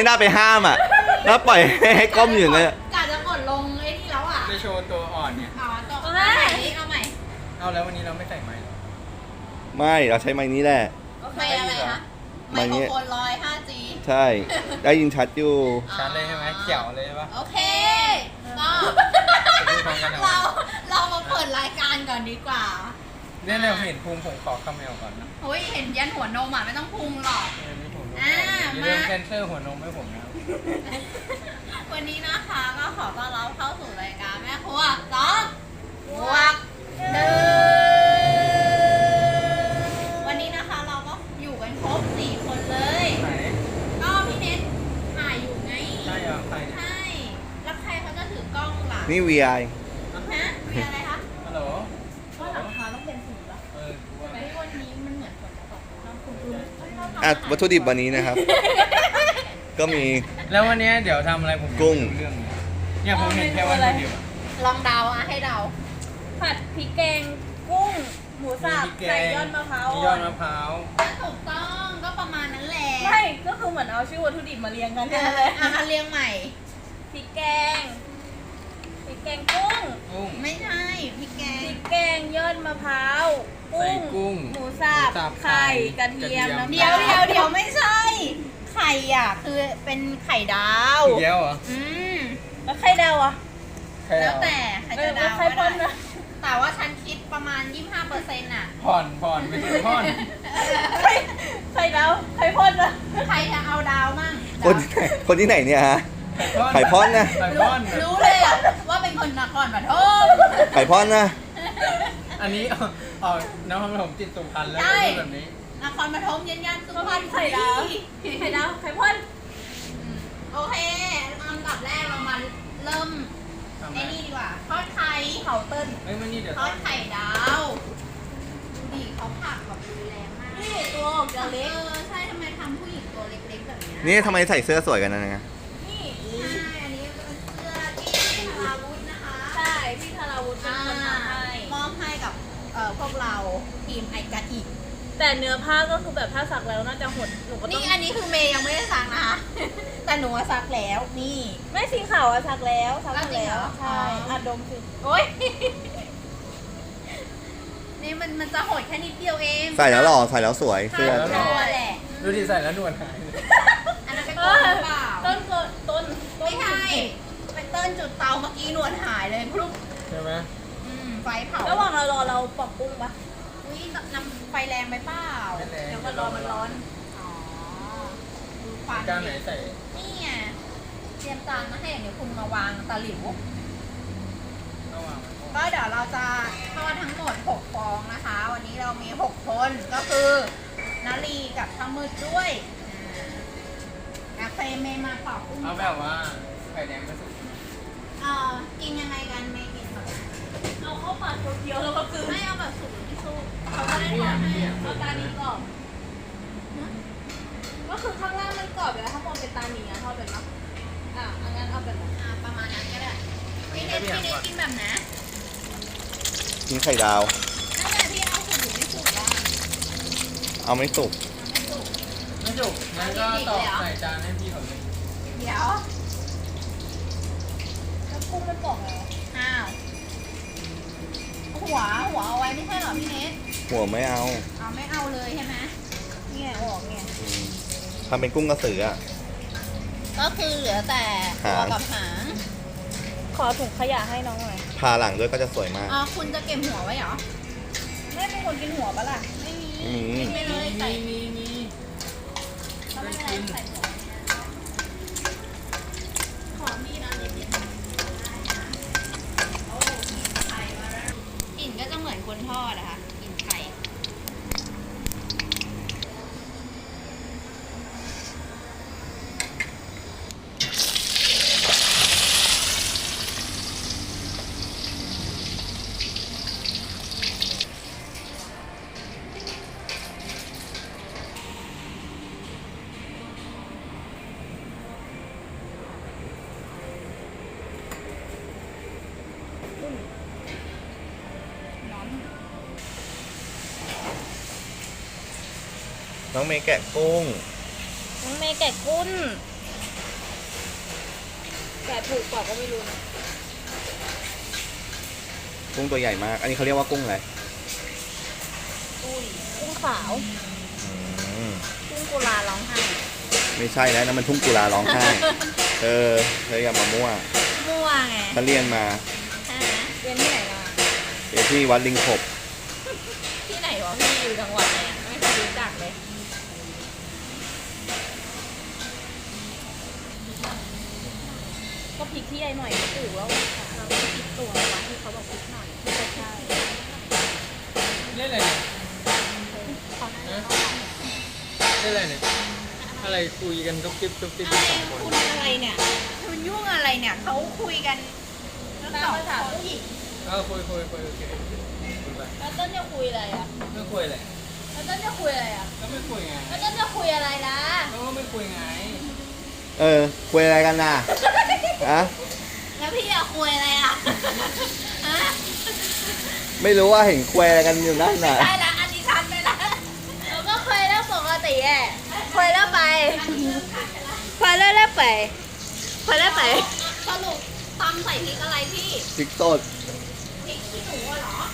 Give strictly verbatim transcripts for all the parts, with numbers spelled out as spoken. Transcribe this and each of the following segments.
น่าไปห้ามอ่ะแล้วปล่อยให้ก้มอยู่อย่างเงี้ยกะจะกดลงไอ้นี่แล้วอ่ะจะโชว์ตัวอ่อนเนี่ยอ๋อตัวเอาใหม่ดิเอาใหม่เอาแล้ววันนี้เราไม่ใส่ไม้หรอไม่เราใช้ไม้นี้แหละไม่อะไรคะไมไมค์นี้โครโฟนร้อย ห้าจีใช่ได้ยินชัดอยู่ชัดเลยใช่ไหมเขียวเลยใช่ปะโอเคก็พูดพร้อมกันเอาเราเรามาเปิดรายการก่อนดีกว่าเนี่ยเราเห็นภูมิผมขอคาเมลก่อนนะเฮ้ยเห็นยันหัวนมอ่ะไม่ต้องพุงหรอกเออนี่ผมรู้อ่าอย่าลืมมาเซนเซอร์หัวนมให้ผมนะครับวันนี้นะคะก็ขอต้อนรับเข้าสู่รายการแม่ครัวสองบวกหนึ่งวันนี้นะคะเราก็อยู่กันครบสี่คนเลยไหนก็พี่เน็ตถ่ายอยู่ไงใช่เหรอใครเนี่ยใช่แล้วใครเขาจะถือกล้องล่ะนี่ วี ไอฮะมีอะไรคะฮัลโหลก็หลังคาต้องเป็นสีป่ะเออกูว่าไม่วันนี้มันเหมือนฝนจะตกน้ำคุณคุณอ่ะวัตถุดิบวันนี้นะครับ ก็มีแล้ววันนี้เดี๋ยวทำอะไรผมกุ้งเรื่องนี้เนี่ยผมเห็นแค่วันเดียวอะลองเดาอ่ะให้เดาผัดพริกแกงกุ้ง หมูสับมีพริกแกงใส่ยอดมะพร้าวมียอดมะพร้าวถูกต้องก็ประมาณนั้นแหละไม่ก็คือเหมือนเอาชื่อวัตถุดิบมาเรียงกันเอแค่อนั้นเลยอ่ะมาเรียงใหม่พริกแกงพริกแกงกุ้งกุ้งไม่ใช่พี่แกพงริกแกงยอดมะพร้าวใส่กุ้งหมูสับหมูสับไข่กระเทียมกระเทียมน้ำเดี๋ยวตาลเดี๋ยวเดี๋ยวไม่ใช่ ไข่อ่ะคือเป็นไข่ดาวอีกแล้วเหรออืมแล้วไข่ดาวอ่ะใครแล้วเอาแต่ใครเอจะอดาวไข่ก็พ่นได้นะแต่ว่าฉันคิดประมาณ ยี่สิบห้าเปอร์เซ็นต์ อ่ะผ่อนผ่อนไม่ใช่ผ่อนไข่ไข่ดาวไข่พ่นนะใครจะเอาดาวมั่งคนคนที่ไหนเนี่ยฮะ ไข่พ่อนนะไข่รู้พ่อนนะรู้เลยอ่ะว่าเป็นคนนครปฐมไข่พอนนะอันนี้เอาเอาน้ำมันผมติดสุพรรณแล้วใช่พูดแบบนี้นครปฐมยันยันสุก็พรพัรนณไข่ดาวไข่ดาวไข่พ่นโอเคอันดับแรกเรามาเริ่มทำไมไอ้นี่ดีกว่าทอดไข่เผาเติ้ลเฮ้ยมันนี่เดี๋ยวทอดไข่ดาวดูดิเขาผักแบบรุนแรงมากนี่ตัวออกจะเล็กเออใช่ทำไมทำผู้หญิงตัวเล็กๆแบบเนี้ยนี่ทำไมใส่เสื้อสวยกันนะเนี่ยนี่ใช่อันนี้เป็นเสื้อที่ธาราวุธนะคะใช่พี่ธาราวุฒิเป็นคนทำให้มอบให้กับเอ่อพวกเราทีมไอกาอิแต่เนื้อผ้าก็คือแบบถ้าสักแล้วน่าจะหดหนูก็ต้นี่องอันนี้คือเมย์ยังไม่ได้ซักนะคะ แต่หนูอะซักแล้วนี่ไม่สีขาวอะสักแล้วสักหมดจริงเหแล้รวอใช่อ๋ออ่อ่ะดมสิโอ๊ย นี่มันมันจะหดแค่นิดเดียวเองใส่แล้วหล่อใส่แล้วสวยเสื้อใช่ตัวแหละดูดิใส่แล้วหนวดหายเลยอันนั้นเป็นเอต้นอหรือเปล่าต้นก็ต้นต้นไม่ใช่เป็นต้นจุดเตาเมื่อกี้หนวดหายเลยพรุบใช่ไหมอืมไฟเผาระหว่างเรารอเราปอกกุ้งปะอุ้ยน้ำไฟแรงไปเปล่าไม่แรงเดี๋ยวมันรอมันร้อนอ๋อดูควันจานไหนใส่นี่ไงเตรียมจานมาให้เดี๋ยวคุณมาวางตะหลิวระหว่างมันก็เดี๋ยวเราจะทอดทั้งหมดหกฟองนะคะ วันนี้เรามีหกคนก็คือนาลีกับทามืดด้วยอ่ากาแฟเมย์มาปอกกุ้งเอาแบบว่าไข่แดงไม่สุกเอ่อกินยังไงกันเมย์กินแบบไหนเอาเข้าปากเคี้ยวๆแล้วก็กลืนไม่เอาแบบสุกหรือไม่สุกเขาจะได้ทอดให้เอาตานี้กรอบก็คือข้างล่างมันกรอบอยู่แล้วข้างบนเป็นตาหนีอะทอดเป็นปะอ่ะอันนั้นเอาเป็นแบบอ่าประมาณนั้นก็ได้พี่เนทพี่เนทกินแบบไหนกินไข่ดาวนั่นแหละพี่เอาสุกหรือไม่สุกบ้างเอาไม่สุกเอาไม่สุกไม่สุกงั้นก็ตอกใส่จานให้พี่เขาเลยเดี๋ยวแล้วกุ้งมันกรอบไงวะอ้าวหัวหัวเอาไว้ไม่ใช่เหรอพี่เนทหัวไม่เอาเอาไม่เอาเลยใช่ไหมเนี่ยออกเนี่ยอืมทำเป็นกุ้งกระสืออ่ะก็คือเหลือแต่ตัวกับหางขอถุงขยะให้น้องหน่อยพาหลังด้วยก็จะสวยมากอ๋อคุณจะเก็บหัวไว้เหรอไม่เป็นคนกินหัวปะล่ะไม่มีไม่มีกินไปเลยใส่มีมีเขาไม่เป็นไรใส่หัวขอมีดอันนิดๆโอ้ไข่มาแล้วกลิ่นก็จะเหมือนคนทอดอะค่ะกลิ่นไข่น้องเมย์แกะกุ้งน้องเมย์แกะกุ้นถูกกว่าก็ไม่รู้นะกุ้งตัวใหญ่มาก อันนี้เขาเรียกว่ากุ้งอะไรอุ้ยกุ้งขาวอืมกุ้งกุลาร้องไห้ไม่ใช่แล้วนะมันทุ่งกุลาร้องไห้เออเธออย่ามามั่วมั่วไงฉันเรียนมาใช่ไหมเรียนที่ไหนมาเรียนที่วัดลิงขบที่ไหนวะพี่อยู่จังหวัดไหนอะไม่เคยรู้จักเลยก็พริกที่ใหญ่หน่อยก็ถือว่าเราก็พริกตัววะที่เขาบอกพริกหน่อยที่ใช่เล่นอะไรเนี่ยขอหน้าฮะเล่นอะไรเนี่ยอะไรคุยกันทุบติ๊บทุบติ๊บอะไรสองคนคุณอะไรเนี่ยคุณยุ่งอะไรเนี่ยเขาคุยกันแล้วสองคนผู้หญิงเออคุยคุยคุยโอเคคุยไปแล้วต้นจะคุยอะไรอ่ะไม่คุยเลยแล้วต้นจะคุยอะไรอ่ะก็ไม่คุยไงแล้วต้นจะคุยอะไรนะก็ไม่คุยไงเออคุยอะไรกันน่ะอะแล้วพี่อยากคุยอะไรอ่ะฮะไม่รู้ว่าเห็นคุยอะไรกันอยู่นั่นน่ะได้ละอันนี้ชันไปละเราก็คุยเรื่องปกติแหละคุยเรื่องไปคุยเรื่องเรื่องไปคุยเรื่องไปสรุปตำใส่พริกอะไรพี่พริกสดพริกขี้หนูอะเหรอ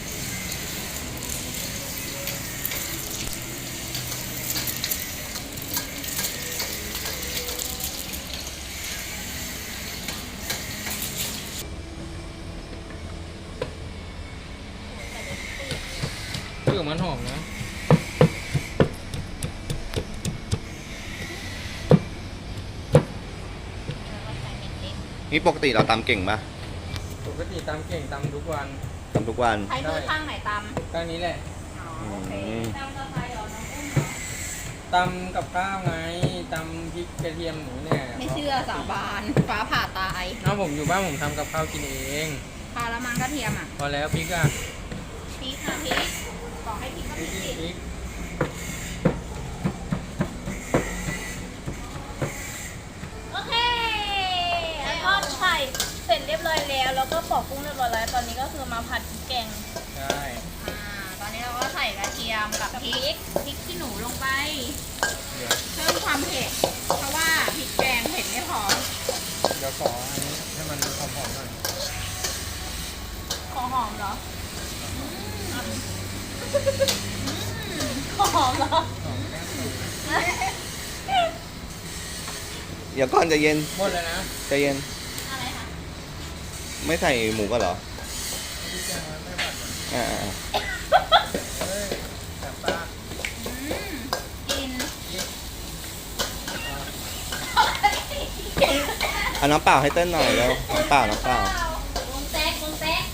เปลือกมันหอมนะนี่ปกติเราตำเก่งปะปกติตำเก่งตำทุกวันตำทุกวันใช้มือข้างไหนตก็นี้แหละำอ๋อโอเคอืมตำกาแฟเหรอน้องอุ้มเหรอตำกับข้าวไงตำพริกกระเทียมหนูเนี่ยไม่เชื่อสาบานฟ้าผ่าตายน้องผมอยู่บ้านผมทำกับข้าวกินเองพาละมังกระเทียมอ่ะพอแล้วพริกอ่ะพริกค่ะพริกบอกให้พริกก็พพริริกกพริกโอเคแล้วก็ไข่เสร็จเรียบร้อยแล้วแล้วก็ปอกกุ้งเรียบร้อยแล้วตอนนี้ก็คือมาผัดพริกแกงใช่อ่าตอนนี้เราก็ใส่กระเทียมกับพริกพริกขี้หนูลงไปเดี๋ยวเพิ่มความเผ็ด เพราะว่าพริกแกงเผ็ดไม่พอเดี๋ยวขออันนี้ให้มันหอมๆหน่อยของหอมเหรอของหอมเหรอหอมแค่สูตรเดี๋ยวก่อนใจะเย็นหมดเลยนะใจะเย็นอะไรคะไม่ใส่หมูก็เหรอพริกแกงมันไม่ผัดเหรออ่าอ่าอ่าเฮ้ยแบบตาอืมกินยิ่งเอาน้ำเปล่าให้เต้นหน่อยแล้วน้ำเปล่าน้ำเปล่าวงแต๊กวงแต๊ก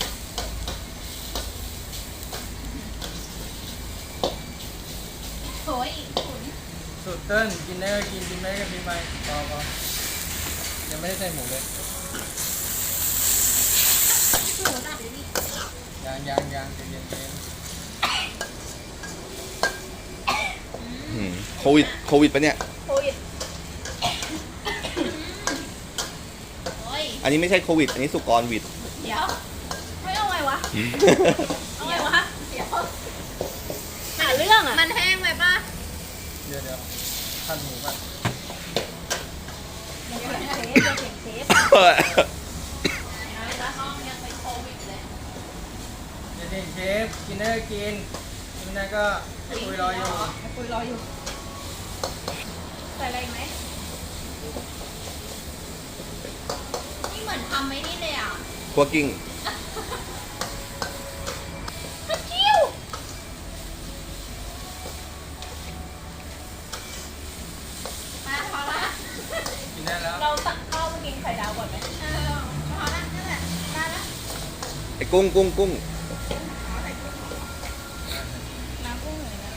โถยอีกขุนสูตรเติ้ลกินได้ก็กินกินไม่ได้ก็กินไปพอพอยังไม่ได้ใส่หมูเลยหนูตัดดิยางยางยางใจเย็นใจเย็นอืมโควิดโควิดปะเนี่ยโควิดโอ้ยอันนี้ไม่ใช่โควิด อันนี้สุกรวิดเดี๋ยวไม่เอาไงวะเอาไงวะ เดี๋ยวหาเรื่องอ่ะมันแห้งไปป่ะเดี๋ยวเดี๋ยวพันหมูก่อนเดี๋ยวเชฟเดี๋ยวเสียงเชฟแล้วห้องยังเป็นโควิดเลยเดี๋ยวเด็กเชฟกินได้ก็กินกินไม่ได้ก็ให้คุยรออยู่ให้คุยรออยู่ ใส่อะไรอีกไหมนี่เหมือนทำไม่นี่เลยอ่ะคั่วกิ้งกระเจียวมาพอละกินได้แล้วเราตักข้าวมากินไข่ดาวก่อนไหมเออพอละนั่นแหละได้ละไอ้กุ้งกุ้งกุ้งน้ำกุ้งหน่อยนะ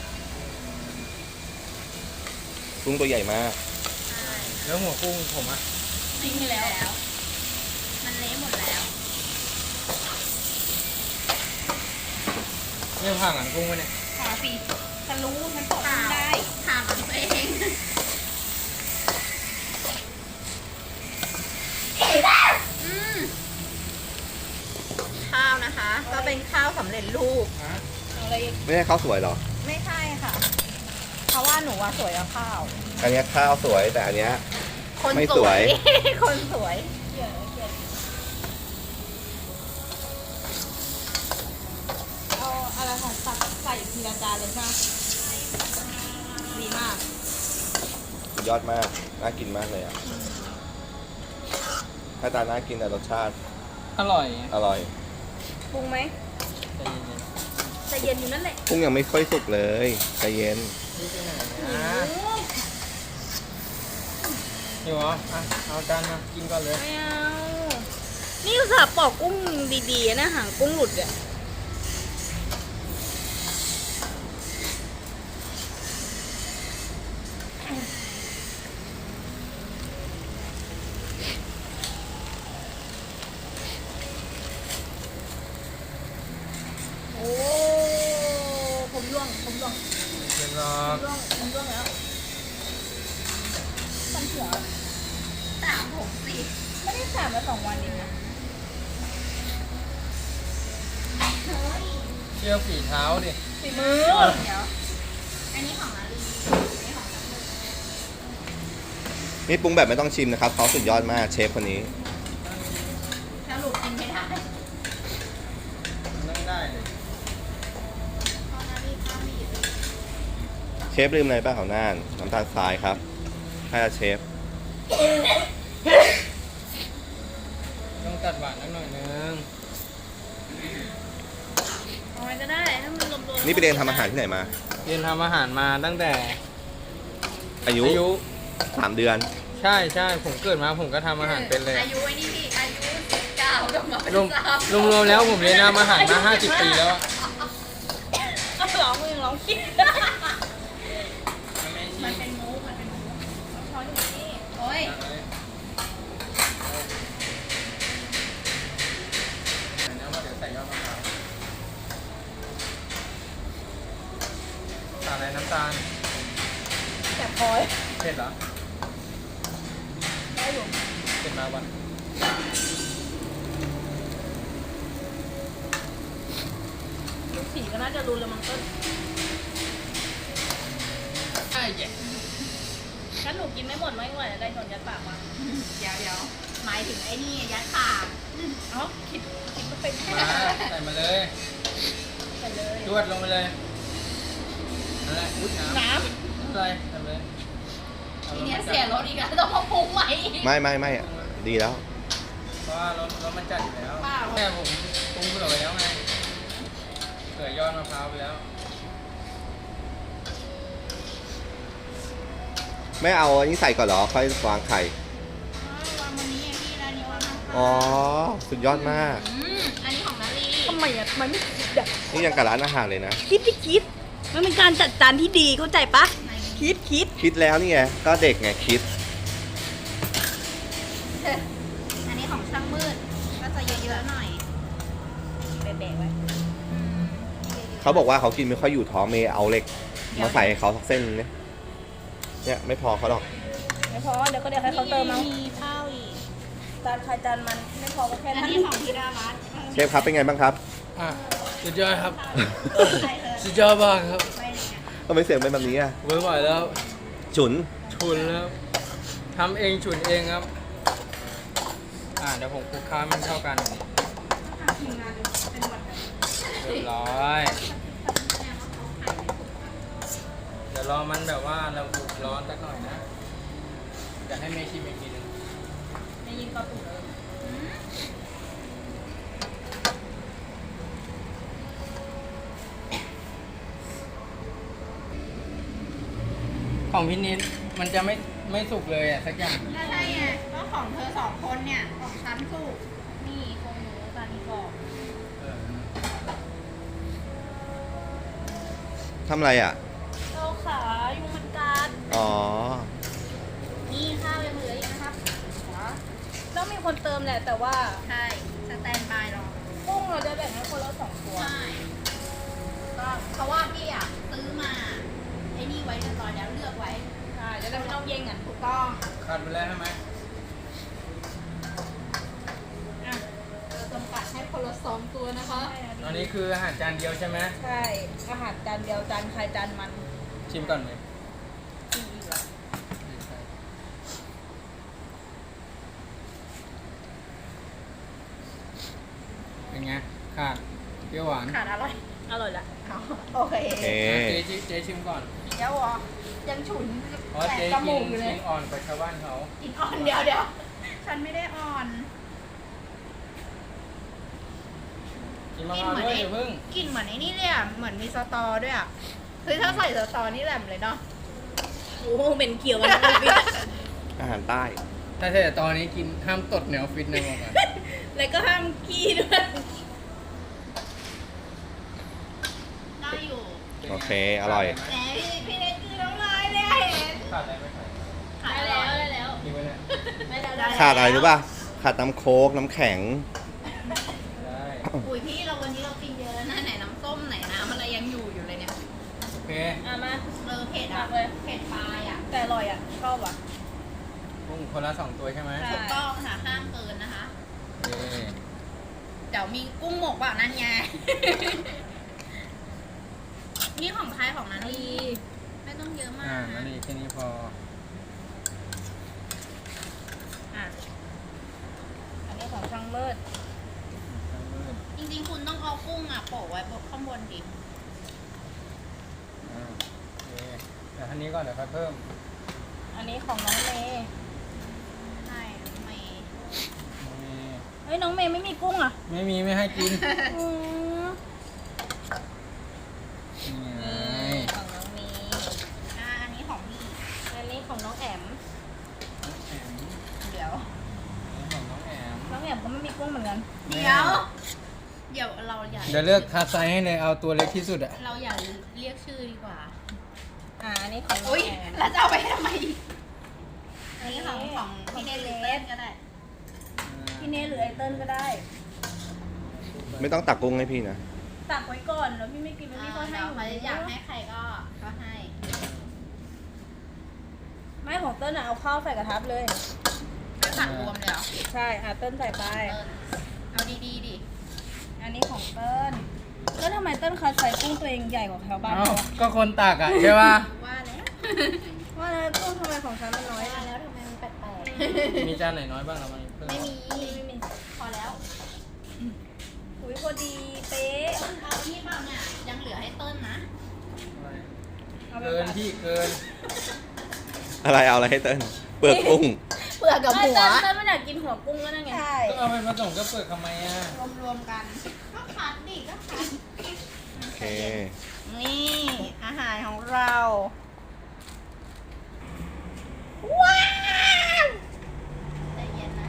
กุ้งตัวใหญ่มากแล้วหัวกุ้งผมอ่ะทิ้งไปแล้ว มันเละหมดแล้วเนี่ยผ่าหลังกุ้งไว้เนี่ยพอสิฉันรู้ฉันตกได้ถามตัวเองอืมข้าวนะคะ ก็เป็นข้าวสำเร็จรูปฮะเอาอะไรอีกไม่ใช่ข้าวสวยเหรอไม่ใช่ค่ะ เพราะว่าหนูว่าสวยกว่าข้าวอันเนี้ยข้าวสวยแต่อันเนี้ยคนไม่สวยคนสวยยขียนเขียนเอาอะไรของตักใส่ทีละจานเลยใช่ไหมดีมากสุดยอดมาก น่ากินมากเลยอ่ะหน้าตาน่ากินแต่รสชาติอร่อยอร่อยปรุงไหมใจเย็นใจเย็นอยู่นั่นแหละกุ้งยังไม่ค่อยสุกเลยใจเย็นๆนี่ไปไหนนะอยู่เหรออ่ะเอาจานมากินก่อนเลยไม่เอา นี่อุตส่าห์ปอกกุ้งดีๆนะหางกุ้งหลุดอ่ะโอ้ผมร่วงผมร่วงเรียบร้อผมยร่วงผมร่วงแล้วตันเสือสามหกสี่ไม่ได้สามมาสองวันเองนะเฮ้ยเชื่อฝีเท้าดิฝีมือเดี๋ยว อันนี้ของนาลีอันนี้ของจังเลยนี่ปรุงแบบไม่ต้องชิมนะครับเขาสุดยอดมากเชฟคนนี้สรุปกินไม่ได้นั่งได้เลยเพราะนาลีข้าวมีอยู่เชฟลืมอะไรป่ะเขาน่านน้ำตาลทรายครับให้ละเชฟต้องตัดหวานนิดหน่อยนึงเอาไว้ก็ได้ถ้ามันรวมๆนี่ไปเรียนทำอาหารที่ไหนมาเรียนทำอาหารมาตั้งแต่อายุอายุสามเดือนใช่ใช่ผมเกิดมาผมก็ทำอาหารเป็นเลยอายุไอ้นี่ดิอายุสิบเก้าก็มาเป็นรวมสามรวมรวมแล้วผมเรียนทำอาหารมาห้าสิบปีแล้วอะร้องมึงร้องคิดมันเป็นมุกมันเป็นมุกช้อนอยู่นี่โอ้ยใส่ยอดมะพร้าวใส่อะไรน้ำตาลแต่พอยเผ็ดเหรอได้อยู่เผ็ดมาวันดูสีก็น่าจะรู้แล้วมันก็ใช่แย่งั้นหนูกินไม่หมดไม่ไหวได้ชนยัดปากมาเดี๋ยวเดี๋ยวหมายถึงไอ้นี่ยัดปากเอ้าคิดคิดก็เป็นมาใส่มาเลยไปเลยจวดลงไปเลยอะไรพุดน้ำน้อะไรทำเลยทีเนี้ยเสียรถอีกแล้วต้องมาปรุงใหม่อีกไม่ไม่ไม่อะดีแล้วเพราะว่ารถรถมันจัดอยู่แล้วเปล่าแม่ผมปรุงเผื่อไปแล้วไงเผื่อยอดมะพร้าวไปแล้วไม่เอาอันนี้ใส่ก่อนเหรอ ค่อยวางไข่วางวันนี้ไงพี่ร้านนี้วางมาอ๋อ สุดยอดมากอืมอันนี้ของนาลีำทำไมอ่ะทำไมไม่คิดอ่ะนี่ยังกับร้านอาหารเลยนะคิดที่คิด มันเป็นการจัดจานที่ดีเข้าใจปะไหนคิดคิดคิดแล้วนี่ไง ก็เด็กไงคิดอันนี้ของช่างมืดก็จะเยอะๆหน่อยแบะๆไว้อืมเขาบอกว่าเขากินไม่ค่อยอยู่ท้องเมย์เอาเหล็ก มาใส่ให้เขาสักเส้นนึงเนี่ยเนี่ยไม่พอเขาหรอกไม่พอเดี๋ยวก็เดี๋ยวให้เขาเติมเอามีข้าวอีกจานใครจานมันไม่พอก็แค่อันนั้นนี้ของธีรารัตน์เชฟครับเป็นไงบ้างครับอ่ะสุดยอดครับใส่เธอสุดยอดมากครับไปไหนอะทำไมเสียงเป็นแบบนี้อ่ะไม่ไหวแล้วฉุนฉุนแล้วทำเองฉุนเองครับ อ่าเดี๋ยวผมคลุกเคล้าให้มันเข้ากันอย่างนี้ทีมงานเป็นหวัดกันเรียบร้อย เดี๋ยวรอมันแบบว่าเราบุกร้อนสักหน่อยนะจะให้เมย์ชิมอีกทีหนึงไม่ยิงก็ตุ๋นเลยของพี่นิดมันจะไม่ไม่สุกเลยอ่ะสักอย่างก็ใช่ไงก็ของเธอสองคนเนี่ย ของฉันสุกนี่ของหนูจานนี้กรอบเออทำอะไรอ่ะเราขายุงมันกัดอ๋อนี่ข้าวยังเหลืออีกนะครับต้องมีคนเติมแหละแต่ว่าใช่สแตนบายรอกุ้งเราจะแบ่งให้คนละสองตัวใช่ก็เพราะว่าพี่อ่ะซื้อมาไอ้นี่ไว้เรียบร้อยแล้วเลือกไว้ใช่จะได้ไม่ต้องแย่งกันถูกต้องขาดไปแล้วใช่ไหมอ่ะเราจำกัดให้คนละสองตัวนะคะตอนนี้คืออาหารจานเดียวใช่ไหมใช่อาหารจานเดียวจานใครจานมันชิมก่อนเลยกินอีกเหรอเป็นไงขาดเปรี้ยวหวานขาดอร่อยอร่อยละเอาโอเคโอเคเจ๊ชิเจ๊ชิมก่อนเดี๋ยวอ่ะยังฉุนเพราะแสเจ๊บจกิมูนกอยู่เลกิยนอ่อนกว่าชาวบ้านเขากินอ่อนเดี๋ยวเดี๋ยวฉันไม่ได้อ่อนกินมะพร้าวด้วยอย่าเพิ่งกลินเหมือนไอ้นี่เลยอ่ะเหมือนมีสตอด้วยอ่ะคือถ้าใส่สตอนี่แหลมเลยเนาะโอ้โหเป็นเขียวมันออฟฟิศอะอาหารใต้ถ้าแต่ตอนนี้กินห้ามตดในออฟฟิศนะบอกก่อนแล้วก็ห้ามขี้ด้วยได้อยู่โอเค อร่อยแหมพี่พี่เล็กคือน้ำลายเลยอะเห็นขาดอะไรไหมขาดได้แล้วได้แล้วกินไว้เนี่ยไม่ได้ได้ขาดอะไรรู้ป่ะ ขาดน้ำโค้กน้ำแข็งได้อุ้ยพี่เราวันนี้เรากินเยอะแล้วนะไหนน้ำส้มไหนน้ำอะไรยังอยู่อยู่เลยเนี่ยโอเคอ่ะมาเออเผ็ดอ่ะมากเลยเผ็ดปลายอ่ะแต่อร่อยอ่ะ ชอบอ่ะกุ้งคนละสองตัวใช่ไหมใช่ถูกต้องค่ะห้ามเกินนะคะโอเคเดี๋ยวมีกุ้งหมกเปล่านั่นไง นี่ของใครของนันลีไม่ต้องเยอะมาอ่าก นั่นเองแค่นี้พออ่ะ อันนี้ของช่างเลิศจริงๆคุณต้องเอากุ้งอ่ะโปะไว้บนข้างบนดิอ่าโอเคแต่ท่านี้ก่อนเดี๋ยวค่อยเพิ่มอันนี้ของน้องเมย์ใช่ไม่มีเฮ้ยน้องเมย์ไม่มีกุ้งอ่ะไม่มีไม่ให้กินอืมนี่ไงนี่ของน้องเมย์อ่าอันนี้ของพี่อันนี้ของน้องแอมน้องแอมเดี๋ยวนี่ของน้องแอมน้องแอมก็ไม่มีกุ้งเหมือนกันเดี๋ยว เดี๋ยวเราอย่าเดี๋ยวเลือกคัดไซส์ให้เลยเอาตัวเล็กที่สุดอะเราอย่าเรียกชื่อดีกว่าอ่า อันนี้ของน้องอุ้ยแอมแล้วจะเอาไปทำไมอีกอันนี้ของของพี่เนลิเล่นก็ได้พี่เนหรือไอเติ้ลก็ได้ไม่ต้องตักกุ้งให้พี่นะตักไว้ก่อนแล้วพี่ไม่กินแล้วพี่ก็ให้เดี๋ยวหนูเขาอยากให้ใครก็ก็ให้ไม่ของเติ้ลอะเอาข้าวใส่กระทะเลยไม่ผัดรวมเลยเหรอใช่อ่ะเติ้ลใส่ไปเออเอาดีๆดิอันนี้ของเติ้ลแล้วทำไมเติ้ลคัดใส่กุ้งตัวเองใหญ่กว่าชาวบ้านเอ้าเขาอะก็คนตักอะใช่ป่ะว่าแล้วว่าแล้วกุ้งทำไมของฉันมันน้อยว่าอะแล้วทำไมมันแปลกมีจานไหนน้อยบ้างเรามาเพิ่ๆไม่มีไม่มีพอแล้วอุ้ยพอดีเป๊ะต้นเอานี่เปล่าเนี่ยยังเหลือให้ต้นนะอาไปเกินผัดพี่เกินอะไรเอาอะไรให้เติ้ลเปลือกกุ้งเปลือกกับเอ้ยหัวเติ้ลเติ้ลไม่อยากกินหัวกุ้งก็นั่นไงใช่ก็เอาไปผสมกับเปลือกทำไมอะรวมๆกัน ก็คัดดิก็คัดโอเคนี่อาหารของเรา ว้าวใจเย็นนะ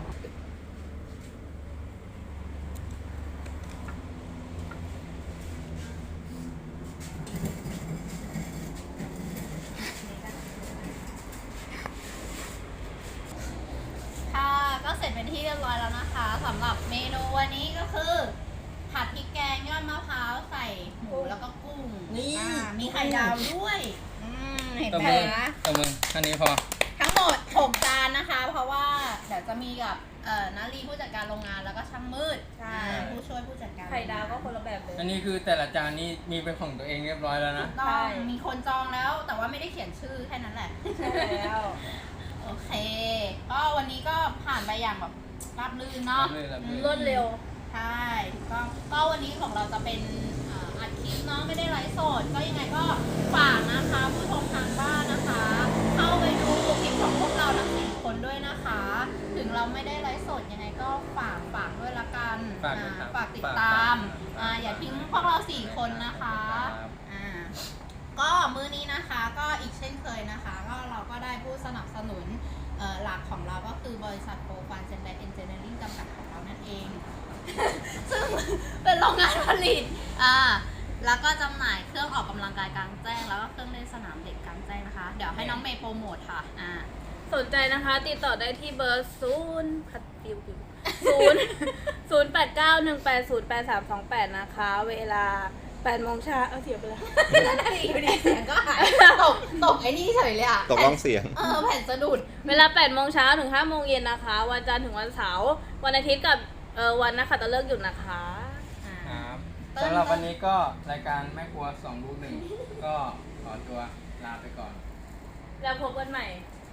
ค่ะก็เสร็จเป็นที่เรียบร้อยแล้วนะคะสำหรับเมนูวันนี้ก็คือ ผัดพริกแกงยอดมะพร้าวใส่หมูแล้วก็กุ้งนี่อ่ามีไข่ดาวด้วยอืมเห็นตบไหมมือนะตบมือท่านนี้พอทั้งหมดหกจานนะคะ เพราะว่าเดี๋ยวจะมีกับเอ่อนาลีผู้จัดการโรงงานแล้วก็ช่างมืดใช่อ่าผู้ช่วยผู้จัดการไข่ดาวก็คนละแบบเลยอันนี้คือแต่ละจานนี่มีเป็นของตัวเองเรียบร้อยแล้วนะต้ใช่องมีคนจองแล้ว แต่ว่าไม่ได้เขียนชื่อแค่นั้นแหละใช่แล้วโอเค ก็วันนี้ก็ผ่านไปอย่างแบบราบรื่นเนาะราบรื่นราบรื่นรวดเร็วใช่ถูกต้องก็วันนี้ของเราจะเป็นเอ่ออัดคลิปเนาะไม่ได้ไลฟ์สดก็ยังไงก็ฝากนะคะผู้ชมทางบ้านนะคะ เข้าไปดูคลิปของพวกเราทั้งสี่คนด้วยนะคะ ถึงเราไม่ได้ไลฟ์สดยังไงก็ฝากฝากด้วยละกันฝากด้วยครับอ่าฝากติดฝากตามฝากอ่าอย่าทิ้งพวกเราสี่คนนะคะครับอ่าก็มื้อนี้นะคะก็อีกเช่นเคยนะคะ ก็เราก็ได้ผู้สนับสนุนเอ่อหลักของเราก็คือบริษัทโปรฟันเซนไดเอนจิเนียริ่งจำกัดของเรานั่นเอง ซึ่งเป็นโรงงานผลิต อ่า แล้วก็จำหน่ายเครื่องออกกำลังกายกลางแจ้ง แล้วก็เครื่องเล่นสนามเด็กกลางแจ้งนะคะ เดี๋ยวให้น้องเมย์โปรโมทค่ะ อ่าสนใจนะคะ ติดต่อได้ที่เบอร์ศูนย์พัดปิวปิวศูนย์ศูนย์แปดเก้าหนึ่งแปดศูนย์แปดสามสองแปดนะคะ เวลาแปดโมงเช้าเอาเสียไปแล้วนั่นน่ะดิอยู่ดีเสียงก็หาย ตก ตกไอ้นี่เฉยเลยอ่ะตกล่องเสียงเออ แผ่นสะดุดเวลาแปดโมงเช้าถึงห้าโมงเย็นนะคะ วันจันทร์ถึงวันเสาร์วันอาทิตย์กับเอ่อวันนักขัตฤกษ์หยุดนะคะอ่าครับเติ้ลสำหรับวันนี้ก็รายการแม่ครัวสองลูกหนึ่งก็ขอตัวลาไปก่อนแล้วพบกันใหม่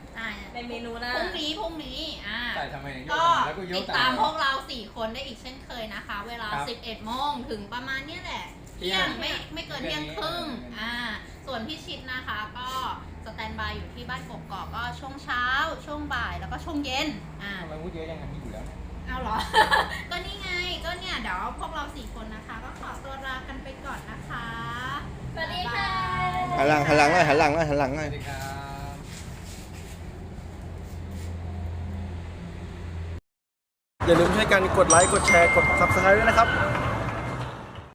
อ่าในเมนูหน้าพรุ่งนี้พรุ่งนี้อ่าใส่ทำไมเนี่ยโยก็กแล้วก็โยติกดตาตามมพวกเราสี่คนได้อีกเช่นเคยนะคะ เวลาครับสิบเอ็ดโมงถึงประมาณเนี้ยแหละเที่เที่ยยงงไม่ไม่เกินเที่เที่ยยงงครึ่งนี้อ่าส่วนพี่ชิดนะคะ ก็สแตนบายอยู่ที่บ้านกกอกก็ช่วงเช้า ช่วงบ่ายแล้วก็ช่วงเย็นอ่าทำไมพูดเยอะยังไงที่อยู่แล้วเนี่ยเอาเหรอ ก็นี่ไงก็เนี่ยเดี๋ยวพวกเราสี่คนนะคะ ก็ขอตัวลากันไปก่อนนะคะสวัสดีค่ะหันหลังหันหลังหน่อยหันหลังหน่อยหันหลังหสน่อวัยสดีครับอย่าลืมช่วยกันกดไลค์ กดแชร์ กด ซับสไครบ์ ด้วยนะครับ